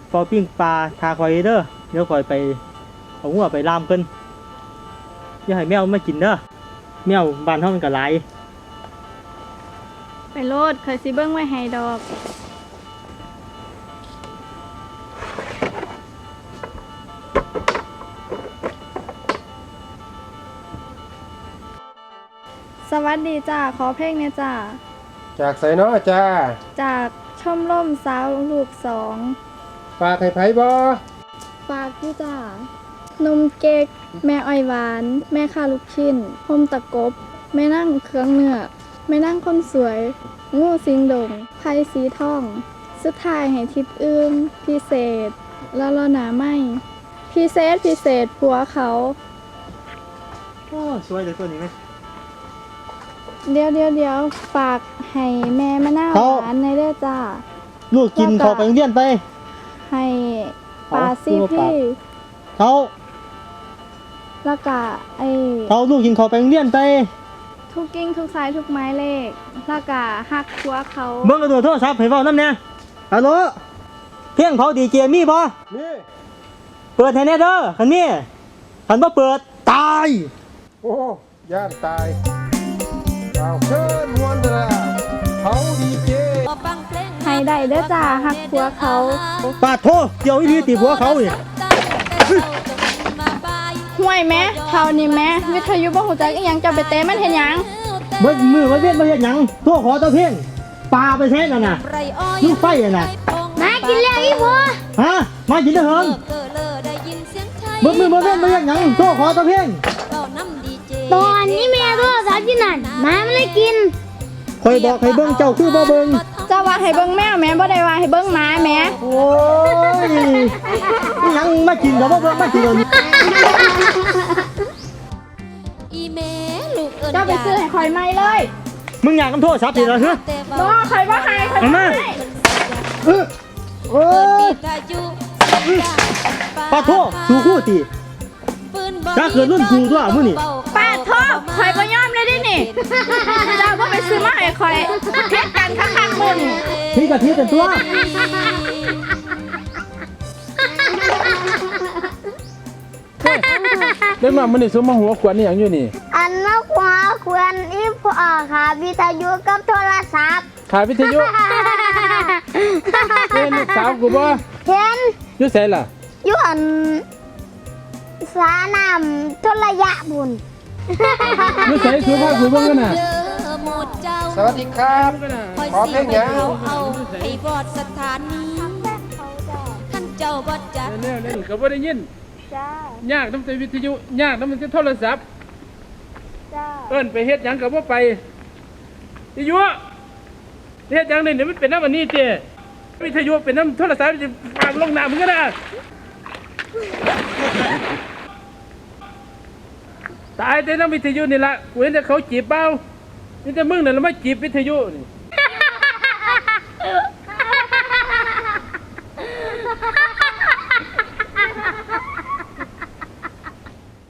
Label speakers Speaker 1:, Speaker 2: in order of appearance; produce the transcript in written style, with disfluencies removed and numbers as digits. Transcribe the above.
Speaker 1: เฝ้าปิ้งปลาทาคอยเด้อเดี๋ยวคอยไปเอาหัวไปล่ามเพิ่นอย่าให้แมวมากินเด้อแมวบ้านเฮามันก็หลาย
Speaker 2: ไปโลดเคยสิเบิ้งไว้ให้ดอกสวัสดีจ้าขอเพลงเนี่ยจ้า
Speaker 3: จากไสเนาะจ้า
Speaker 2: จากชมรมสาวลูกสอง
Speaker 3: ฝากให้ไผบ่
Speaker 2: ฝากพี่จ้านมเก๊กแม่อ้อยหวานแม่ข้าลูกชิ้นพมตะกบแม่นั่งเครื่องเนื้อแม่นั่งคนสวยงูสิงดงไผ่สีทองสุดท้ายให้ทิศอื่นพิเศษแล้วรอหนาไม่พิเศษผัวเขา
Speaker 1: โอ้สวยเลยตัวนี้ไหม
Speaker 2: เดี๋ยวฝากให้แม่มะนาวหวานในเด้อจ้า
Speaker 1: ลูกกินเขาไปโรงเรียนไป
Speaker 2: ให้ปลาซีพี่
Speaker 1: เขา
Speaker 2: แล้วก็
Speaker 1: เขาลูกกินเขาไปโรงเรียนไป
Speaker 2: ทุกกิ้งทุกสายทุกไม้เลขแล้วก็หักหัวเขา
Speaker 1: เบิ่งกระโดดโทรศัพท์ให้เว้านำแน่ฮัลโหลเพียงเขาดีเจมีบ่
Speaker 3: มี
Speaker 1: เปิดให้แน่เด้อคันมีคันบ่เปิดตาย
Speaker 3: โอ้ย่านตายเอาเชิญมวนเด้อเขาดีเจ
Speaker 2: ให้ได้เด้อจ้าหักหัวเขา
Speaker 1: ปาดโทเกี่ยวอีหลีติหัวเขานี่
Speaker 2: ห่วยแม่เท่านี้แม่วิทยุบ่ฮู้จักอีหยังจะไปเตะมันเฮ็ดหยัง
Speaker 1: เบิดมือไว้เวียนบ่เฮ็ดหยังโทรขอตะเพียงปลาไปแท้นั่นน่ะลูกไฟน่ะ
Speaker 2: มากินแล้วอีพ่อ
Speaker 1: ฮะมากินเด้อเฮิงเบิดมือบ่เวียนบ่เฮ็ดหยังโทรขอตะเพียง
Speaker 2: ตอนนี้แม่โทรศัพท์อยู่นั่นมาไม่ได้กิน
Speaker 1: คอยบอกให้เบิ่งเจ้าคือบ่เบิ่ง
Speaker 2: เจ้าว่าให้เบิ่งแมวแม่บ่ได้ว่าให้เบิ่งหมาแม่
Speaker 1: โอ้ยอีหยังมากินก็บ่เบิ่งมากินนี่
Speaker 2: เจ้าไปซื้อให้ข่อยใหม่เลย
Speaker 1: มึงอยากนำโทรศัพท์สิล่ะฮะ
Speaker 2: บ่ข่อยบ่ให้ข่อย
Speaker 1: มาโอ้ยปาโทสู่คู่ติถ้าเกิดรุ่นครูตัวมื้อนี่
Speaker 2: ปาโทข่อยบ่ยอมเลยดินี่เจ้าบ่ไปซื้อมาให้ข่อยเฮ็ดกันคักๆมึง
Speaker 1: พี่กะทิเป็นตัว
Speaker 3: เรื่องมันนี่สมมาหัวขวัญนี่อย่างอยู่นี่
Speaker 4: อันนักหัวขวัญอีพ่อค่ะวิทยุกับโทรศัพท์
Speaker 3: ขาวิทยุเห็นลูกสาวกูบ่
Speaker 4: เห็น
Speaker 3: อยู่ไสล่ะ
Speaker 4: อยู่อันสาน้ำทรยะบุญ
Speaker 3: อยู่ไสสุภาพกูเบิ่งกันน่ะสวัสดีครับขอเพลงหยัง
Speaker 5: ไอ้บอดสถานีท่านเจ้าบอดจัด
Speaker 3: เล่นก็บ่ได้ยิน
Speaker 4: จ้าย
Speaker 3: ากนำแต่วิทยุยากนำแต่โทรศัพท์
Speaker 4: จ้า
Speaker 3: เอิ้นไปเฮ็ดหยังก็บ่ไปวิทยุเฮ็ดหยังนี่มันเป็นน้ำอันนี้เจ้วิทยุเป็นน้ำโทรศัพท์จะฝากลงน้ำมึงก็ได้ตายแต่น้ำวิทยุนี่ละกูเห็นแต่เขาจีบเบานี่แต่มึงเนี่ยเราไม่จีบวิทยุนี่